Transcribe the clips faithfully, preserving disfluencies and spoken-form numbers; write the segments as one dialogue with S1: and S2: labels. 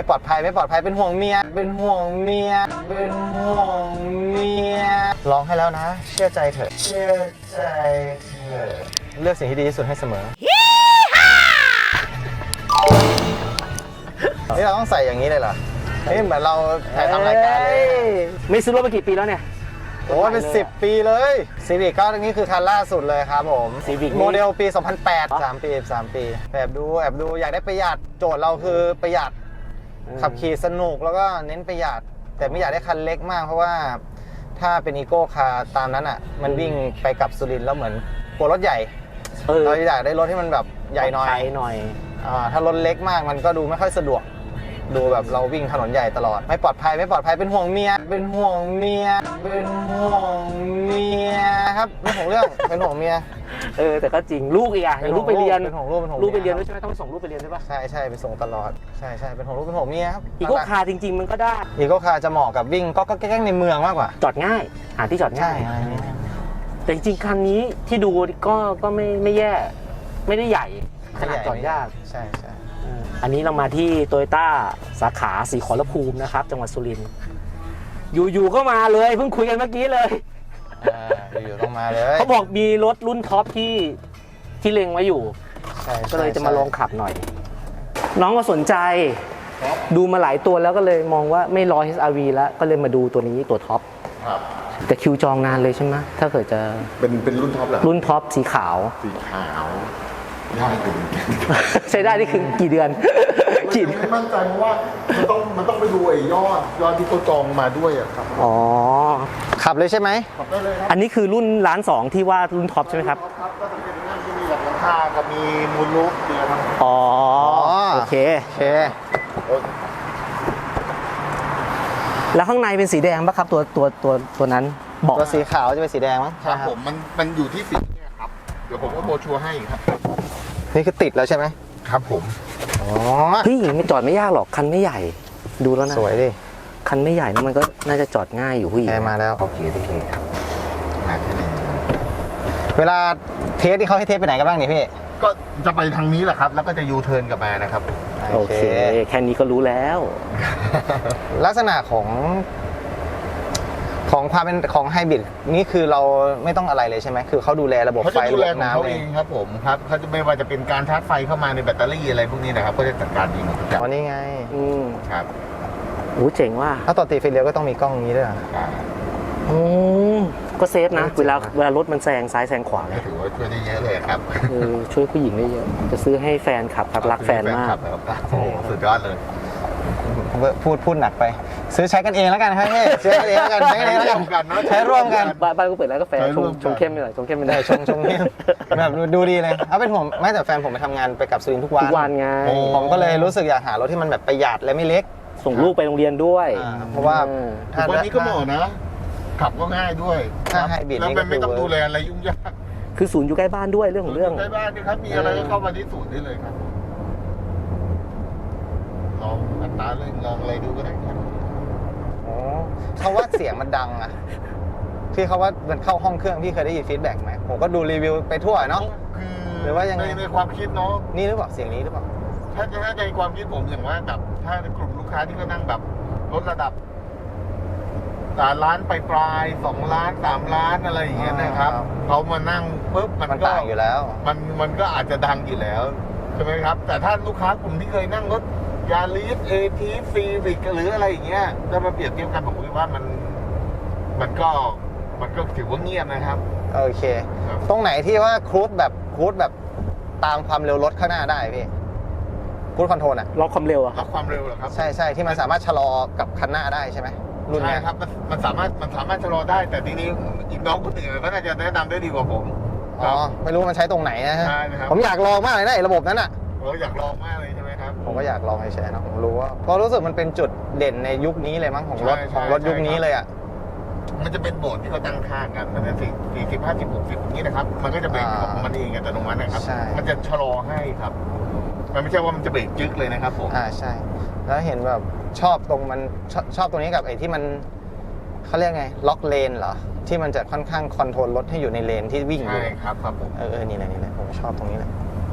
S1: ไม่ปลอดภัยไม่ปลอดภัยเป็นห่วงเมียเป็นห่วงเมียเป็นห่วงเมียร้องให้แล้วนะเชื่อใจเถอะเชื่อใจเถอะเลือกสิ่งที่ดีที่สุดให้เสมอนี่เราต้องใส่อย่างนี้เลยเหรอนี่เหมือนเราถ่ายทำรายการเลย
S2: ไม่ซื้อรถมากี่ปีแล้วเนี่ย
S1: โอ้เป็นสิบปีเลยซีวิกก็นี่คือคันล่าสุดเลยครับผม
S2: Civic
S1: โมเดลปี สองพันแปด สามปีสามปีแอบดูแอบดูอยากได้ประหยัดโจทย์เราคือประหยัดขับขี่สนุกแล้วก็เน้นประหยัดแต่ไม่อยากได้คันเล็กมากเพราะว่าถ้าเป็นอีโก้คาร์ตามนั้นอ่ะมันวิ่งไปกับสุรินทร์แล้วเหมือนกลัวรถใหญ่เราอยากได้รถที่มันแบบใหญ่หน่อย
S2: หน่อย
S1: อ่าถ้ารถเล็กมากมันก็ดูไม่ค่อยสะดวกดูแบบเราวิ่งถนนใหญ่ตลอดไม่ปลอดภัยไม่ปลอดภัยเป็นห่วงเมียเป็นห่วงเมียเป็นห่วงเมียครับเรื่องของเรื่องเป็นห่วงเมีย
S2: เออแต่ก็จริงลูกอีกอ่ะลูกไปเรียน
S1: เป็นห่วงลูกเป็นห่วง
S2: ลูกไปเรียนด้วยใช่ไหมต้องส่งลูกไปเรียนใช่ปะ
S1: ใช่ใช่ไปส่งตลอดใช่ใช่เป็นห่วงลูกเป็นห่วงเมียครับ
S2: อีโก้คาร์จริงๆมันก็ได้
S1: อีโก้คาร์จะเหมาะกับวิ่งก็ก็แกล้งในเมืองมากกว่า
S2: จอดง่ายหาที่จอดง่ายแต่จริงๆคันนี้ที่ดูก็ก็ไม่ไม่แย่ไม่ได้ใหญ่ขนาดจอดยาก
S1: ใช่ใช่
S2: อันนี้เรามาที่โตโยต้าสาขาศรีขอรภูมินะครับจังหวัดสุรินทร์อยู่ๆก็มาเลยเพิ่งคุยกันเมื่อกี้เลย
S1: อยู่ๆต้องมาเลย
S2: เขาบอกมีรถรุ่นท็อปที่ที่เล็งไว้อยู่ก็เลยจะมาลองขับหน่อยน้องก็สนใจดูมาหลายตัวแล้วก็เลยมองว่าไม่รอ เอช อาร์ วี แล้วก็เลยมาดูตัวนี้ตัวท็อปแต่คิวจองนานเลยใช่ไหมถ้าเกิดจะ
S3: เป็นเป็นรุ่นท็อปเหรอ
S2: รุ่นท็อปสีขาว
S3: สีขาวได้ถึง
S2: ใช้ได้นี่คือกี่เดือน
S3: กี่ไม่มั่นใจเพราะว่ามันต้องมันต้องไปดูไอ้ยอดยอดที่เขาจองมาด้วยอะครับ
S2: อ๋อ
S1: ขับเลยใช่ไหม
S3: ขับได้เลยครับ
S2: อันนี้คือรุ่นล้านสองที่ว่ารุ่นท็อปใช่ไหมครับ
S3: ครับก็จะเป็นงานที่มีหลังคากับมีมูลลูกเดียวครับ
S2: อ๋อโอเค
S1: โอเค
S2: แล้วข้างในเป็นสีแดงป่ะครับตัวตัวตัวตัวนั้น
S1: บอกตัวสีขาวจะเป็นสีแดงมั้ง
S3: ครับผมมันมันอยู่ที่สีเนี่ยครับเดี๋ยวผมก็โบชัวให้ครับ
S1: นี่คือติดแล้วใช่ไหม
S3: ครับผม
S1: อ๋อ
S2: พี่ไม่จอดไม่ยากหรอกคันไม่ใหญ่ดูแล้วนะ
S1: สวยดิ
S2: คันไม่ใหญ่นะมันก็น่าจะจอดง่ายอยู่ผู้หญิง
S1: มาแล้ว
S3: โอเคโอเคครับ
S1: เวลาเทสที่เขาให้เทสไปไหนกันบ้างนี่พี่
S3: ก็จะไปทางนี้แหละครับแล้วก็จะยูเทิร์นกลับมานะครับ
S2: โอเคแค่นี้ก็รู้แล้ว
S1: ลักษณะของของความเป็นของไฮบริดนี่คือเราไม่ต้องอะไรเลยใช่ไหมคือเขาดูแลระบบไฟ
S3: ระบบน้ำเองครับผมครับเขาจะไม่ว่าจะเป็นการชาร์จไฟเข้ามาในแบตเตอรี่อะไรพวกนี้นะครับก็จะจัดการเองทุกอย่าง
S1: อ๋อนี่ไง
S2: อืม
S3: ครับ
S2: โอ้เจ๋งว่ะ
S1: ถ้าต่อตีไฟเลี้ยวก็ต้องมีกล้องนี้ด้วย
S2: อืมก็เซฟนะเวลาเวลารถมันแซงซ้ายแซงขวาเลย
S3: ถือว่าช่วยได้เยอะเลยครับ
S2: เออช่วยผู้หญิงได้เยอะจะซื้อให้แฟนขับครับรักแฟนมาก
S3: โอ้สุดยอดเลย
S1: พูดพูดหนักไปซื้อใช้กันเองแล้วกันครับพี่ซื้อกันเองแล้วกันใช้กันเองแล้วกันใช้ร่วมกัน
S2: บ้านก็เปิดร้านกาแฟชงชงเข้มไปหน่อยชงเข้มไปหน่อย
S1: ชงชงเข้มแบบดูดีเลยเอาเป็นผมไม่แต่แฟนผมไปทำงานไปกับสุรินทร์ทุกวัน
S2: ทุกวันไง
S1: ผมก็เลยรู้สึกอยากหารถที่มันแบบประหยัดและไม่เล็ก
S2: ส่งลูกไปโรงเรียนด้วย
S1: เพราะว่า
S3: วันนี้ก็เหมาะนะขับก็ง่ายด้วย
S1: ถ้าไฮบริด
S3: แล้วไม่ต้องดูแลอะไรยุ่งยาก
S2: คือศูนย์อยู่ใกล้บ้านด้วยเรื่องของเรื่อง
S3: ใกล้บ้านนี่ครับมีอะไรก็เข้ามาที่ศูนย์ได้เลยครับลองอัตราเลยลองอะไรดูก็ได้ครับ
S1: อ๋อเขาว่าเสียงมันดังอะที่เขาว่ามันเข้าห้องเครื่องพี่เคยได้ยินฟีดแบ็กไหมผมก็ดูรีวิวไปทั่วเนาะ
S3: หรือว่ายังไงในความคิดเนาะ
S1: นี่หรือเปล่าเสียงนี้หรือเปล่า
S3: ถ้าถ้าในความคิดผมอย่างว่าแบบถ้าในกลุ่มลูกค้าที่เขานั่งแบบลดระดับสามล้านไปปลายสองล้านสามล้านอะไรอย่างเงี้ยนะครับเขามานั่งปุ๊บมันก็
S1: ต่างอยู่แล้ว
S3: มันมันก็อาจจะดังอยู่แล้วใช่ไหมครับแต่ถ้าลูกค้ากลุ่มที่เคยนั่งรถยาริสเอทีซีวิกหรืออะไรอย่างเงี้ยถ้ามาเปรียบเทียบกันผมคิดว่ามันมันก็มันก็ถือว่าเงียบนะครับ
S1: โอเคตรงไหนที่ว่าครูดแบบครูดแบบตามความเร็วรถข้างหน้าได้พี่ครูดคอนโทรลอะ
S2: ล็อกความเร็วอะ
S3: ล็อกความเร็วเหรอครับ
S1: ใช่ใช่ที่มันสามารถชะลอกับคันหน้าได้ใช่ไหมรุ่นนี้
S3: ครับมันมันสามารถมันสามารถชะลอได้แต่ทีนี้อีกน้องคนอื่นก็น่าจะแนะนำได้ดีกว่าผม
S1: อ๋อไม่รู้มันใช้ตรงไหนนะฮะผมอยากลองมากเลยนะระบบนั้นอะ
S3: เราอยากลองมากเลยใช่ไหมครับ
S1: ผมก็อยากลองให้แชร์นะผมรู้ว่าเพราะรู้สึกมันเป็นจุดเด่นในยุคนี้เลยมั้งของรถของรถยุคนี้เลยอ่ะ
S3: มันจะเป็นโหมดที่เขาตั้งค่ากันมันจะสี่สี่สิบห้าสิบหกสิบนี้นะครับมันก็จะเบรกของมันเองอัตโนมัตินะครับมันจะชะลอให้ครับมันไม่ใช่ว่ามันจะเบรกจึ๊กเลยนะครับผม
S1: อ่าใช่แล้วเห็นแบบชอบตรงมันชอบชอบตรงนี้กับไอ้ที่มันเขาเรียกไงล็อกเลนเหรอที่มันจะค่อนข้างคอนโทรลรถให้อยู่ในเลนที่วิ่งอยู่
S3: ใช่ครับครับผม
S1: เออเออนี่แหละนี่แหละผมชอบตรงนี้แหละ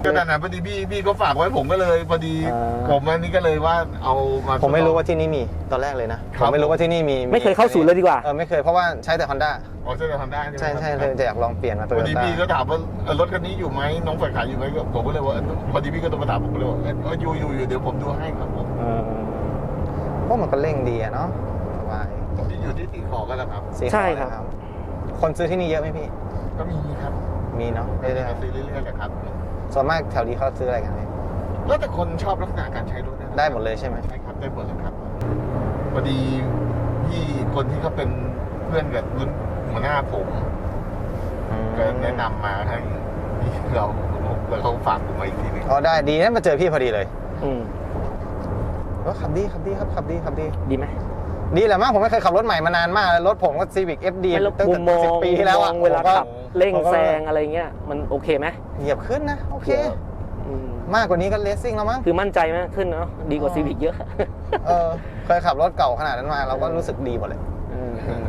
S3: ก็นั่นนะพอดีพี่พี่ก็ฝากไว้ผมก็เลยพอดี
S2: อ่า
S3: ผมอันนี้ก็เลยว่าเอามา
S1: ผมไม่รู้ว่าที่นี่มีตอนแรกเลยนะ
S3: ครั
S1: ผ
S3: บ
S1: มไม่รู้ว่าที่นี่มี
S2: ไม่เคยเข้าศูนย์เลยดีกว่า
S1: เออไม่เคยเพราะว่าใช้แต่ Honda
S3: อ๋อใช่ทำได้ใช่ไหม
S1: ใช่ใช่
S3: ครับ
S1: เลยจะอยากลองเปลี่ยนมาโต
S3: พอ
S1: โย
S3: ดี
S1: ต้า
S3: พี่ก็ถามว่าเออรถคันนี้อยู่ไหมน้องฝ่ายขายอยู่ไหมก็ผมก็เลยว่าเออพอดีพี่ก็โทรมาถามผมก็เลยว่าเอออยู่อยู่อยู่เดี๋ยวผมดูให้ครับผม
S2: เออ
S1: พวกมันก็เร่งดีอะเนาะสบาย
S3: ที่อยู่ที่สีขอกันแหละครับ
S1: สีขาว
S2: ใช่ครับ
S1: นะคนซื้อที่นี่เยอะไหมพี่
S3: ก็มีครับ
S1: มีเนาะ
S3: ก็
S1: เรื่
S3: จะ
S1: อย
S3: ซื้อเรื่อยๆแหละครับ
S1: ๆส่วนมากแถวนี้เขาซื้ออะไรกันพี่
S3: แล้วแต่คนชอบลักษณะการใช้รถนะ
S1: ได้หมดเลยใช่ไหม
S3: ใช่ครับได้หมดเลยครับพอดีพี่คนที่เขาเป็นเพื่อนกับรุ่นหัวหน้าผม
S1: อืม
S3: ก็แนะนำมาให้พี่เราแล้วเขาฝากผมมาอีกทีหนึง
S1: อ๋อได้ดีนะมาเจอพี่พอดีเลย
S2: อืม
S1: ว่าขับดีขับดีครับขับดีขับดี
S2: ดีไหม
S1: ดีแหละมั้งผมไม่เคยขับรถใหม่มานานมากแล้วรถผมก็ Civic เอฟ ดี
S2: ไม่แล้ว
S1: ตั้ง
S2: มุ
S1: แต่
S2: มมอง
S1: สิบปีที่แล้วอะ
S2: มุมมองเวลา
S1: ผมก็
S2: ขับเร่ง
S1: ผมก็
S2: แซงอะไรเงี้ยมันโอเคไหม
S1: เหยียบขึ้นนะ โอเค
S2: อืม
S1: มากกว่านี้ก็เลสซิ่งแล้วมั้ง
S2: คือมั่นใจมากขึ้นเนาะดีกว่า
S1: อ๋อ
S2: ซีวิกเยอะ
S1: เออเคยขับรถเก่าขนาดนั้นมาเราก็รู้สึกดีหมดเลย
S2: เออ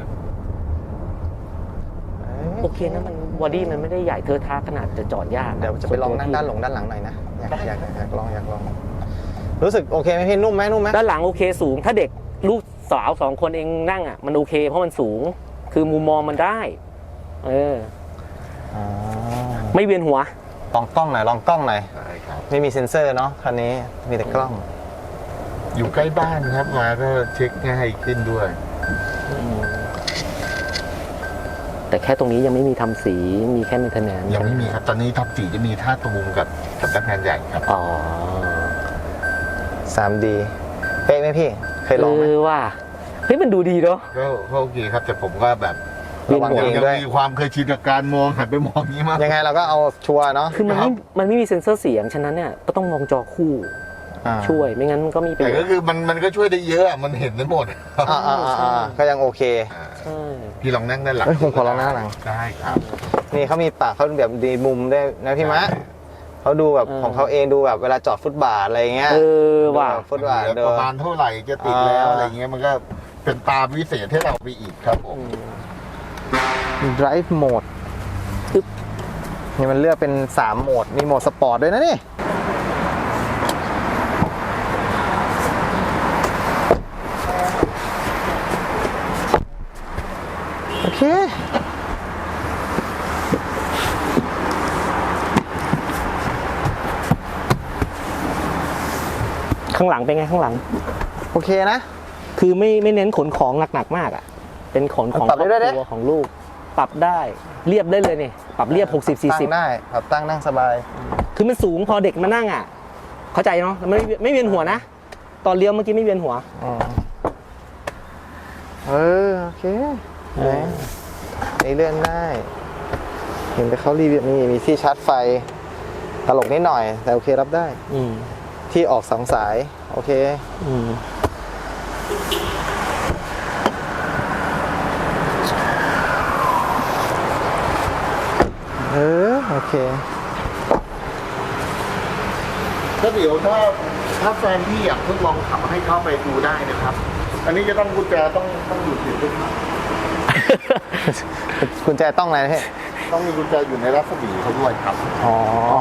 S2: โอเคนะมันบอดี้มันไม่ได้ใหญ่เทอะทะขนาดจะจอดยาก
S1: เดี๋ยวจะไปลองนั่งด้านหลงด้านหลังหน่อยนะอยากอยากอยากลองอยากลอง รู้สึกโอเคไหมพี่นุ่มไหมนุ่มไหม
S2: ด้านหลังโอเคสูง ถ้าเด็กลูกสาวสองคนเองนั่งอ่ะมันโอเคเพราะมันสูง คือมุมมองมันได้ เออ
S1: อ๋อ
S2: ไม่เวียนหัว
S1: ลองกล้องหน่อยลองกล้องหน่อย
S3: ใช่ครับ
S1: ไม่มีเซ็นเซอร์เนาะคันนี้มีแต่กล้อง
S3: อยู่ใกล้บ้านครับมาก็เช็คง่ายขึ้นด้วย
S2: แต่แค่ตรงนี้ยังไม่มีทำสีมีแค่ maintenance
S3: ยังไม่มีครับ ตอนนี้ทับสีจะมีท่าตูมกับสำนักงานใหญ่ครับ
S2: อ๋อ
S1: ทรี ดี เป๊ะไหมพี่ เคยลองไหม
S2: เออว่าเฮ้ยมันดูดีเนาะ
S3: ก็ก็โอเคครับ แต่ผมก็แบบ
S1: ระวัง
S3: ยั
S1: เอง
S3: ยัง
S1: ด้วย
S3: มีความเคยชินกับการมองหันไปมองนี้มาก
S1: ยังไงเราก็เอาชัวร์เนาะ
S2: คือมันไม่มันไม่มีเซ็นเซอร์เสียงฉะนั้นเนี่ยก็ต้องมองจอคู่
S1: อ่า
S2: ช่วยไม่งั้นมันก็มีประ
S3: แต่
S2: โย
S3: ก็
S2: ชน์
S3: คือมันมันก็ช่วยได้เยอะอะมันเห็นได้หมด
S1: อ่าอ่าอ่าอ่าก็ยังโอเค
S3: อ่า
S2: ใช่
S3: พี่ลองนั่งด้านหลัง
S1: เอ้ยผมขอลองนั่งหลัง
S3: ได้ครับ
S1: นี่เขามีปากเขาแบบดีมุมได้วยนะพี่มะเขาดูแบบของเขาเองดูแบบเวลาจอดฟุตบาทอะไรเงี้ย
S2: เออว่ะ
S1: ดูแบบฟุตบาท
S3: เหลื
S1: เดิ
S3: อประมาณเท่าไหร่จะติดแล้ว
S1: อ่า
S3: อะไรเงี้ยมันก็เป็นตาพิเศษให้เราไปอีกครับผม
S1: drive mode
S2: ปึ๊บ
S1: นี่มันเลือกเป็นสามโหมดมีโหมดสปอร์ตด้วยนะนี่โอเค
S2: ข้างหลังเป็นไงข้างหลัง
S1: โอเคนะ
S2: คือไม่ไม่เน้นขนของหนักๆมากอ่ะ เป็นขนของ
S1: ปรับได้ด้วย
S2: คร
S1: ดิ
S2: อบครัวของลูก ปรับได้เรียบได้เลยนี่ปรับเรียบหกสิบสี่
S1: ตั้
S2: สิบ
S1: งได้ปรับตั้งนั่งสบาย
S2: คือมันสูงพอเด็กมานั่งอ่ะ เข้าใจเนาะไม่ไม่เวียนหัวนะ ตอนเลี้ยวเมื่อกี้ไม่เวียนหัว
S1: อ๋อเออ โอเค
S2: เออ
S1: นี่เลื่อนได้ เห็นไปเขารีวิวนี่มีที่ชาร์จไฟ ตลกนิดหน่อย แต่โอเครับได้
S2: อืม
S1: ที่ออกสองสาย โอเค
S2: อืม
S1: เออ โอเค
S3: ถ้าเดี๋ยวถ้าถ้าแฟนพี่อยากทดลองขับให้เข้าไปดูได้นะครับ อันนี้จะต้องกุญแจต้องต้องอยู่ติดด้วยครับ
S1: กุญแจต้องอะไรนะพี่
S3: ต้องมีกุญแจอยู่ในรัศมีเขาด้วยครับ
S1: อ๋อ
S2: อ๋อ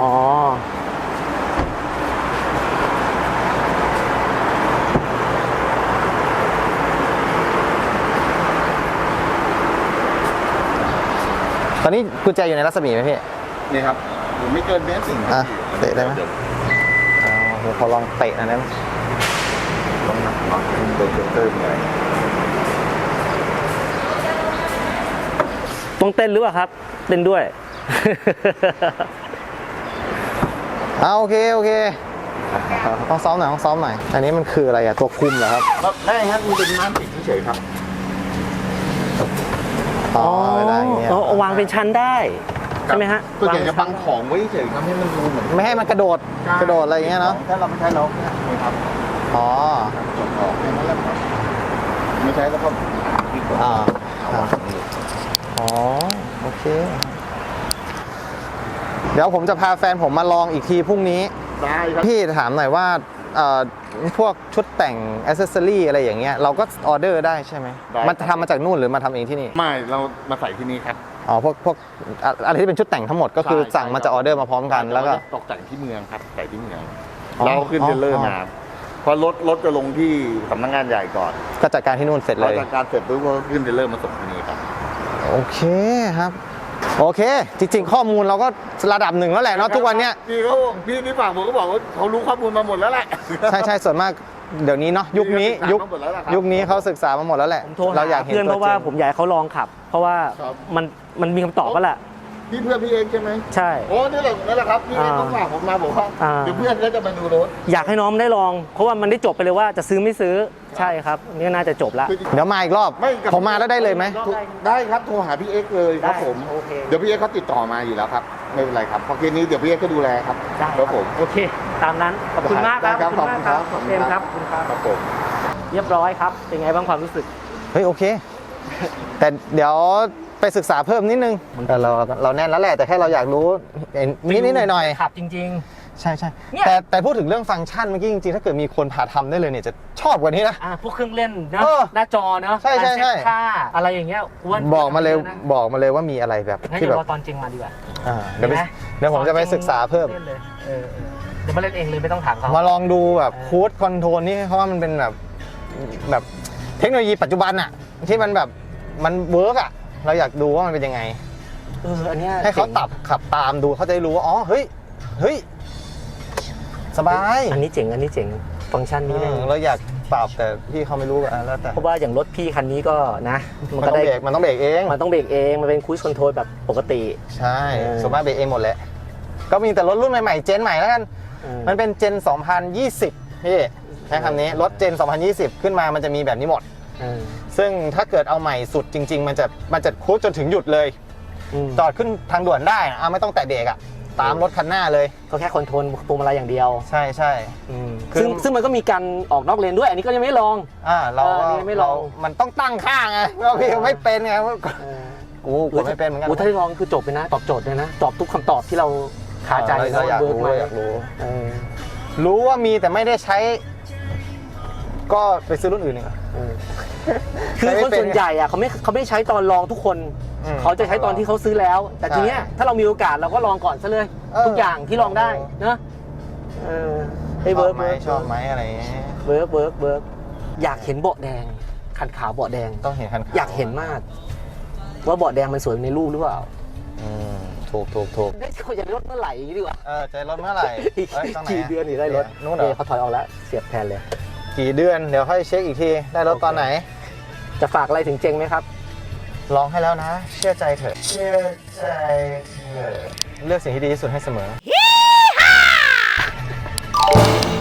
S1: ตอนนี้กุญแจอยู่ในรัศมีไหมพี่
S3: นี่ครับผมไม่เกินเมตรสิ่ง
S1: อ่ะเตะได้ไหม อ๋อผมขอลองเตะหนะนั้น
S3: ลองหนักหน่อยโดนเตอร์มีอะไร
S2: ต้องเต้นหรือเปล่าครับ เต้นด้วย
S1: อ่าโอเค โอเคต้องซ้อมหน่อยต้องซ้อมหน่อย อันนี้มันคืออะไรอะตัวคุมเหรอครับ
S3: ครับได้ครับมันเป็นม้านติดเฉยๆครับ
S1: อ๋อเวลาอย่างเงี้ย
S2: อ๋อวางเป็นชั้นได้ ใช่ไหมฮะ
S3: ก็อยากจะบังของไว้เฉยๆครับให้มันดูเหมือน
S1: ไม่ให้มันกระโดด กระโดดอะไรอย่างเงี้ยเนาะ
S3: ถ้าเราไม่ใช้เรานี่ครับ
S1: อ๋อ
S3: จบออกแค่นั้นแหละครับไม่ใช้แล้วก็ปิดก่อน
S1: อ่า
S3: เอาวางนี่
S1: อ๋อ โอเค เดี๋ยวผมจะพาแฟนผมมาลองอีกทีพรุ่งนี้
S3: ได้ครับ
S1: พี่ถามหน่อยว่าเอ่อพวกชุดแต่งอ c เซสซอรี่อะไรอย่างเงี้ยเราก็ออเดอร์ได้ใช่ไหม
S3: ได้
S1: มันทำมาจากนู่นหรือมาทำเองที่นี่
S3: ไม่เรามาใส่ที่นี่ครับ
S1: อ๋อพวกพวกอะอะไรที่เป็นชุดแต่งทั้งหมดก็คือ
S3: ใช่
S1: สั่งมาจะออเดอร์มาพร้อมกันแล้วก็
S3: เราจะตกแต่งที่เมืองครับใส่ที่เมือง
S1: อ๋อ
S3: เราขึ้นเทรลเลอร์
S1: อ๋อ
S3: มาเพราะรถรถจะลงที่สำนักงานใหญ่ก่อน
S1: ก็จัดการที่นู่นเสร็จ
S3: พ
S1: เล
S3: อย จัดการเสร็จปุ๊บก็ขึ้นเทรลเลอร์มาส่งที่นี่ครับ
S1: โอเคครับ โอเค จริง ๆ ข้อมูลเราก็ระดับหนึ่งแล้วแหละเนาะทุกวันเนี้ย
S3: พี่เขาพี่ที่ฝากผมก็บอกว่าเขารู้ข้อมูลมาหมดแล้วแหละ
S1: ใช่ใช่ส่วนมากเดี๋ยวนี้เนาะยุคนี้ยุค
S3: ศึกษามาหมดแล้วล่ะครับ
S1: ยุคนี้เขาศึกษามาหมดแล้วแหละ
S2: ผมโทรหา
S1: เราอยากเห็น
S2: เพื่อนเพ
S1: ตัว
S2: ราะว่า
S1: จริง
S2: ผมอยากให้เขาลองขับ เพราะว่า
S3: ครับ
S2: มันมันมีคำตอบก็แหละ
S3: พี่เพื่อนพี่เองใช่ไหม
S2: ใช่
S3: โอ้นี่แหละนั่นแหละครับพี่เอง
S2: อ่า
S3: ต้องฝากผมมาบอกว่า
S2: อ่า
S3: เดี๋ยวเพื่อนก็จะมาดูรถ
S2: อยากให้น้องได้ลอง เพราะว่ามันได้จบไปเลยว่าจะซื้อไม่ซื้อใช่ครับนี่ก็น่าจะจบแล้ว
S1: เดี๋ยวมาอีกรอบ
S3: ไม่กับ
S1: ผมมาแล้วได้เลยไหม
S3: ได้ครับโทรหาพี่เอ็กซ์เลยครับ
S2: ได้
S3: ผม
S2: โอเค
S3: เดี๋ยวพี่เอ็กซ์เขาติดต่อมาอยู่แล้วครับไม่เป็นไรครับเพราะเคสนี้เดี๋ยวพี่เอ็กซ์ก็ดูแลครับ
S2: ได้
S3: ครับผม
S2: โอเค ตามนั้นขอบคุณมากครับ
S3: ได้ครับ
S2: ขอบคุณมากครับ
S3: ขอบคุณ
S2: เอ็ม
S3: ค
S2: ค
S3: รั
S2: รับ บขอบคุณครับ
S3: ครับผม
S2: เรียบร้อยครับเป็นไงบ้างความรู้สึก
S1: เฮ้ยโอเค แต่เดี๋ยวไปศึกษาเพิ่มนิดนึงเออเราเราแน่นแล้วแหละแต่แค่เราอยากรู้นิดนิดหน่อยหน่อยๆ
S2: ขับจริง
S1: ใช่ใช่
S2: เนี่ย
S1: แต่แต่พูดถึงเรื่องฟังก์ชันเมื่อกี้จริงๆ ถ้าเกิดมีคนพาทำได้เลยเนี่ยจะชอบกว่านี้นะ
S2: ๆอ่าพวกเครื่องเล่นนะ
S1: เออ
S2: หน้าจอเนาะ
S1: ใช่ใช่ใช่
S2: การเซ็ตค่าอะไรอย่างเงี้ยอ้วน
S1: บอกมาเลย
S2: นะ
S1: บอกมาเลยว่ามีอะไรแบบ
S2: งั้น
S1: ที่
S2: เดี๋
S1: แบ
S2: ยว
S1: บ
S2: รอตอนจริงมาดีกว่า
S1: อ่าเดี๋ยวไป
S2: ห็นไหม
S1: เดี๋ยวผมจะไปศึกษาเพิ่ม
S2: ล่นเลยเออเออเดี๋ยวมาเล่นเองเลยไม่ต้องถามเขา
S1: มาลองดูแบบ
S2: เออ
S1: คูดคอนโทรลนี่เขาว่ามันเป็นแบบแบบเทคโนโลยีปัจจุบันอะที่มันแบบมันเวิร์กอะเราอยากดูว่ามันเป็นยังไง
S2: เอออันเนี้ย
S1: ให้เขาตับขับตามดูเขาจะได้รู้ว่าอ๋อเฮ้ยเฮ้ยสบาย
S2: อันนี้เจ๋งอันนี้เจ๋งฟังก์ชันนี้เลย
S1: เออเราอยากปรับแต่พี่เขาไม่รู้อะแล้วแต่
S2: เพราะว่าอย่างรถพี่คันนี้ก็นะ
S1: มัน
S2: ก็
S1: ต้อง
S2: ได้
S1: เบรกมันต้องเบรกเอง
S2: มันต้องเบรกเองมันเป็นคู i คอนโทรลแบบปกติ
S1: ใช่
S2: เออ
S1: ส่วนมากเบรกเองหมดแหละก็มีแต่รถรุ่นใหม่ๆเจนใหม่แล้วกัน
S2: เออ
S1: มันเป็นเจนสองพันยี่สิบพี่ใช้คำนี้รถเจนสองพันยี่สิบขึ้นมามันจะมีแบบนี้หมด
S2: เออ
S1: ซึ่งถ้าเกิดเอาใหม่สุดจริง ๆ มันจะมันจะคูดจนถึงหยุดเลย
S2: อืม
S1: จอดขึ้นทางด่วนได้นะอ่ะไม่ต้องแตะเบรกอ่ะตามรถคันหน้าเลย
S2: ก็แค่คอนโทรลพวงมาลัยอย่างเดียว
S1: ใช่ใช่ คือ
S2: ซึ่งซึ่งมันก็มีการออกนอกเลนด้วย อันนี้ก็ยังไม่ลอง
S1: อ่าเรา
S2: เอออันนี้ไม่ลอง
S1: เรามันต้องตั้งค่าไงเราพี่ไม่เป็นไง
S2: เออ
S1: กูกูไม่เป็นเหมือนกัน
S2: โอ้ถ้าได้ลองคือจบเลยนะ ตอบโจทย์เลยนะ ตอบทุกคำตอบที่เราคาใจ
S1: เออเราอยาก
S2: เวิร์ก
S1: รู้
S2: ไหม
S1: เราอยากรู้
S2: เออ
S1: รู้ว่ามีแต่ไม่ได้ใช้ ก็ไปซื้อรุ่นอื่นดีกว่า
S2: เออคือคนส่วนใหญ่อะเขาไม่เขาไม่ใช้ตอนลองทุกคน
S1: อืม
S2: เขาจะใช้ตอนที่เขาซื้อแล้ว แต่
S1: ใช่
S2: ทีเนี้ยถ้าเรามีโอกาสเราก็ลองก่อนซะเลย
S1: เออ
S2: ทุกอย่างที่ลองได้นะเออให้
S1: ช
S2: เวิ
S1: อ
S2: ร์
S1: บ
S2: ก
S1: ไหมชอบไหมอะไรอย่างเงี้ย
S2: เวิร์กเวิร์กเวิร์กอยากเห็นเบาะแดงคันขาวเบาะแดง
S1: ต้องเห็นคันขว
S2: อยากเห็นมาก ว่าเบาะแดงมันสวยในรูปหรือเปล่า
S1: อืมถูกถูกถูก
S2: ได้เขาอยากได้รถเมื่อไหร่อย่างนี้ดีกว่า
S1: เออใจรถเมื่อไหร่เอ้ยตรงไหน
S2: กี่เดือนถึงได้รถ
S1: นู่นเหร
S2: เอ
S1: อ
S2: อเขาถอยออกแล้วเสียบแทนเลย
S1: กี่เดือนเดี๋ยวค่อยเช็คอีกทีได้รถตอนไหน
S2: จะฝากอะไรถึงเจงไหมครับ
S1: ลองให้แล้วนะ เชื่อใจเถอะเชื่อใจเถอะเลือกสิ่งที่ดีที่สุดให้เสมอ